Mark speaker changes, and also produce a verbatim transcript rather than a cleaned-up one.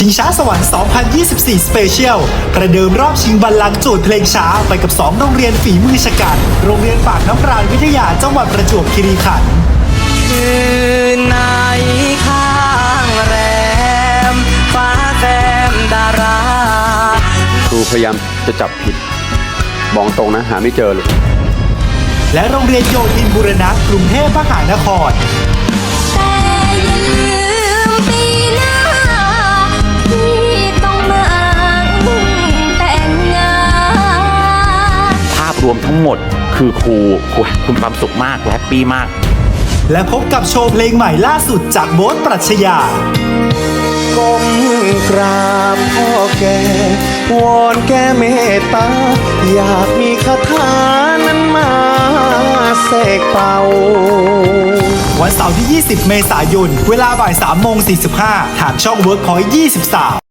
Speaker 1: ชิงช้าสวรรค์ สองพันยี่สิบสี่ Special ประเดิมรอบชิงบัลลังก์โจทย์เพลงช้าไปกับ สอง โรงเรียนฝีมือฉกาจโรงเรียนปากน้ำปราณวิทยาจังหวัดประจวบคีรีขันธ์
Speaker 2: คืนไหนข้างแรมฟ้าแซมดารา
Speaker 3: ครูพยายามจะจับผิดบอกตรงนะหาไม่เจอเลย
Speaker 1: และโรงเรียนโยธินบูรณะกรุงเทพมหานคร
Speaker 4: แต่อย่าลืมปีหน้าที่ต้องมาแต่งงาน
Speaker 5: ภาพรวมทั้งหมดคือครูครูคุณความสุขมากและแฮปปี้มาก
Speaker 1: และพบกับโชว์เพลงใหม่ล่าสุดจากโบ๊ทปรัชญา
Speaker 2: ก้มกราบพ่อแก่วอนแก่เมตตาอยากมีคาถานั้นมาเสกเป่า
Speaker 1: วันเสาร์ที่ ยี่สิบ เมษายน เวลาบ่าย สามโมงสี่สิบห้า ทางช่อง เวิร์คพอยต์ ยี่สิบสาม